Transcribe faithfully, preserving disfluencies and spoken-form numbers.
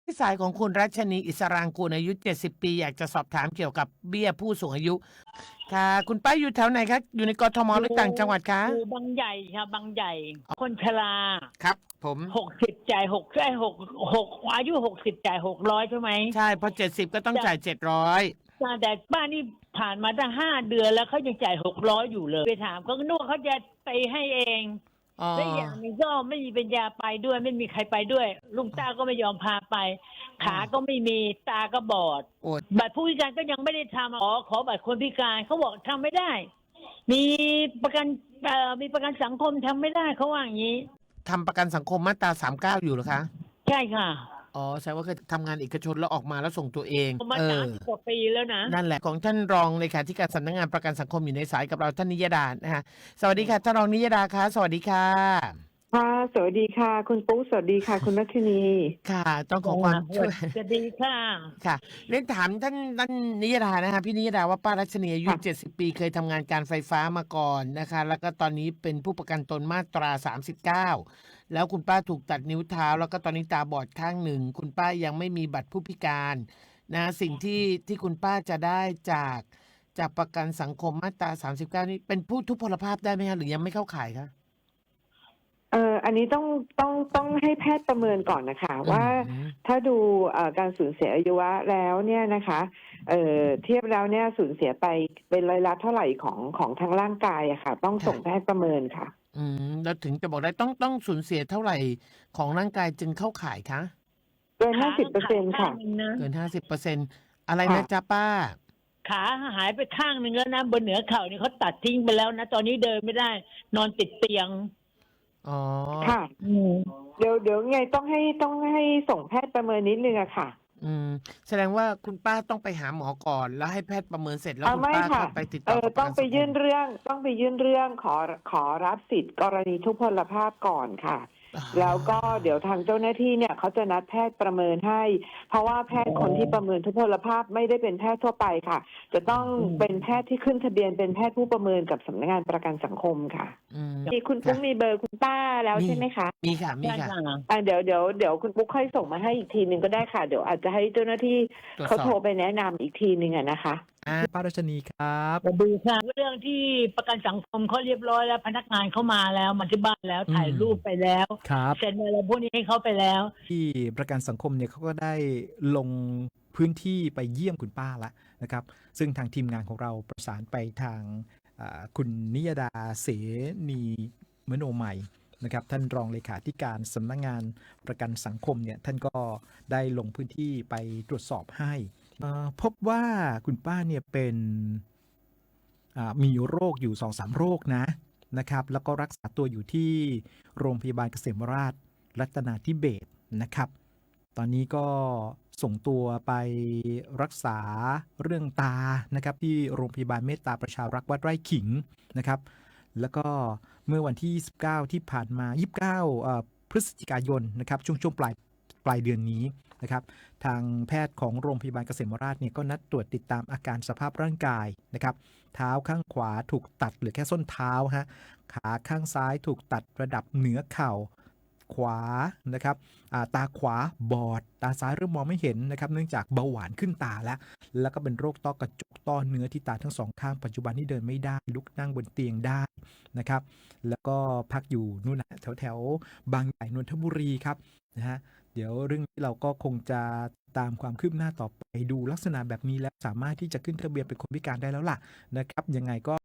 ที่สายของคุณรัชนีอิสรางกูลอายุเจ็ดสิบปีอยากจะสอบถามเกี่ยวกับเบี้ยผู้สูงอายุค่ะคุณป้าอยู่แถวไหนคะอยู่ในกทมอหรืยู่อต่างจังหวัดคะอยู่บางใหญ่ค่ะบางใหญ่ คนชราครับผมหกสิบจ่ายหกใช่หกหกอายุหกสิบจ่ายหกร้อยใช่ไหมใช่พอเจ็ดสิบก็ต้องแต่จ่ายเจ็ดร้อยแต่บ้านนี่ผ่านมาตั้งห้าเดือนแล้วเขายังจ่ายหกร้อยอยู่เลยไปถามเขาก็นึกว่าเขาจะไปให้เองอ๋อและอย่างหนึงก็ไม่มีปัญญาไปด้วยไม่มีใครไปด้วยลุงตาก็ไม่ยอมพาไป ขาก็ไม่มีตาก็บอดโอ้บัตรผู้พิการก็ยังไม่ได้ทำขอขอบัตรคนพิการเขาบอกทำไม่ได้ มีประกันเอ่อมีประกันสังคมทำไม่ได้เขาว่าอย่างนี้ทำประกันสังคมมาตราสามสิบเก้าอยู่เหรอคะใช่ค่ะอ๋อแสดงว่าเคยทำงานเอกชนแล้วออกมาแล้วส่งตัวเองมาเอสาอมสิบกว่าปีแล้วนะนั่นแหละของท่านรองเลขาธิการสำนักงานประกันสังคมอยู่ในสายกับเราท่านนิยดานะฮะสวัสดีค่ะท่านรองนิยดาคะสวัสดีค่ะค่ะสวัสดีค่ะคุณปุ๊กสวัสดีค่ะคุณรัชนีค่ะต้องขอความช่วยจะดีค่ะค่ะเรียนถามท่านท่านนิยดานะคะพี่นิยดาว่าป้ารัชนีอายุเจ็ดสิบปีเคยทำงานการไฟฟ้ามาก่อนนะคะแล้วก็ตอนนี้เป็นผู้ประกันตนมาตราสามสิบเก้าแล้วคุณป้าถูกตัดนิ้วเท้าแล้วก็ตอนนี้ตาบอดข้างหนึ่งคุณป้ายังไม่มีบัตรผู้พิการนะสิ่งที่ที่คุณป้าจะได้จากจากประกันสังคมมาตราสามสิบเก้านี่เป็นผู้ทุพพลภาพได้ไหมคะหรือยังไม่เข้าข่ายคะเอ่ออันนี้ต้องต้องต้องให้แพทย์ประเมินก่อนนะคะว่าถ้าดูเอ่อการสูญเสียอายุวะแล้วเนี่ยนะคะเอ่อเทียบแล้วเนี่ยสูญเสียไปเป็นร้อยละเท่าไหร่ของของทางร่างกายอะค่ะต้องส่งแพทย์ประเมินค่ะอืมแล้วถึงจะบอกได้ต้องต้องสูญเสียเท่าไหร่ของร่างกายจึงเข้าข่ายคะเกินห้าสิบเปอร์เซ็นต์ค่ะเกินห้าสิบเปอร์เซ็นต์อะไรนะจ๊ะป้าขาหายไปข้างหนึ่งแล้วนะบนเหนือเข่านี่เขาตัดทิ้งไปแล้วนะ ตอนนี้เดินไม่ได้ นอนติดเตียงอ๋อค่ะเดี๋ยวเดี๋ยวไงต้องให้ต้องให้ส่งแพทย์ประเมินนิดนึงอะค่ะอืมแสดงว่าคุณป้าต้องไปหาหมอก่อน แล้วให้แพทย์ประเมินเสร็จแล้วอ่าคุณไม่ป้าก็ค่ะไปติดเอต่ออกับประต้องไปกันสังคมยื่นเรื่องต้องไปยื่นเรื่องขอขอรับสิทธิ์กรณีทุพพลภาพก่อนค่ะอ่าแล้วก็เดี๋ยวทางเจ้าหน้าที่เนี่ยเขาจะนัดแพทย์ประเมินให้ เพราะว่าแพทย์คนที่ประเมินทุพพลภาพไม่ได้เป็นแพทย์ทั่วไปค่ะ จะต้องเป็นแพทย์ที่ขึ้นทะเบียนเป็นแพทย์ผู้ประเมินกับสำนักงานประกันสังคมค่ะอืมมีคุณปุ๊กมีเบอร์คุณป้าแล้วใช่ไหมคะมีค่ะมีใช่ค่ะค่ะอ่าเดี๋ยวเดี๋ยวเดี๋ยวคุณปุ๊กค่อยส่งมาให้อีกทีหนึ่งก็ได้ค่ะเดี๋ยวอาจจะให้เจ้าหน้าที่ตรวจสอบเขาโทรไปแนะนำอีกทีหนึ่งอะนะคะอ่าป้ารัชนีครับสวัสดีค่ะเรื่องที่ประกันสังคมเขาเรียบร้อยแล้วพนักงานเข้ามาแล้วมาที่บ้านแล้วถ่ายรูปไปแล้วครับเซ็นอะไรพวกนี้ให้เขาไปแล้วที่ประกันสังคมเนี่ยเขาก็ได้ลงพื้นที่ไปเยี่ยมคุณป้าละนะครับซึ่งทางทีมงานของเราประสานไปทางอ่าคุณนิยดาเสนีมโนใหม่นะครับท่านรองเลขาธิการสำนักงานประกันสังคมเนี่ยท่านก็ได้ลงพื้นที่ไปตรวจสอบให้อ่าพบว่าคุณป้าเนี่ยเป็นอ่ามีโรคอยู่ สองสาม โรคนะนะครับแล้วก็รักษาตัวอยู่ที่โรงพยาบาลเกษมราษฎร์รัตนาธิเบศรนะครับตอนนี้ก็ส่งตัวไปรักษาเรื่องตานะครับที่โรงพยาบาลเมตตาประชารักษ์วัดไร่ขิงนะครับแล้วก็เมื่อวันที่ยี่สิบเก้าที่ผ่านมายี่สิบเก้าเอ่อพฤศจิกายนนะครับช่วงช่วงปลายปลายเดือนนี้นะครับทางแพทย์ของโรงพยาบาลเกษมราษฎร์เนี่ยก็นัดตรวจติดตามอาการสภาพร่างกายนะครับเท้าข้างขวาถูกตัดเหลือแค่ส้นเท้าฮะขาข้างซ้ายถูกตัดระดับเหนือเข่าขวานะครับตาขวาบอดตาซ้ายเริ่มมองไม่เห็นนะครับเนื่องจากเบาหวานขึ้นตาแล้วแล้วก็เป็นโรคต้อกระจกต้อเนื้อที่ตาทั้งสองข้างปัจจุบันนี่เดินไม่ได้ลุกนั่งบนเตียงได้นะครับแล้วก็พักอยู่นู่นนะแถวแถวบางใหญ่นนทบุรีครับนะฮะเดี๋ยวเรื่องนี้เราก็คงจะตามความคืบหน้าต่อไปดูลักษณะแบบนี้แล้วสามารถที่จะขึ้นทะเบียนเป็นคนพิการได้แล้วล่ะนะครับยังไงก็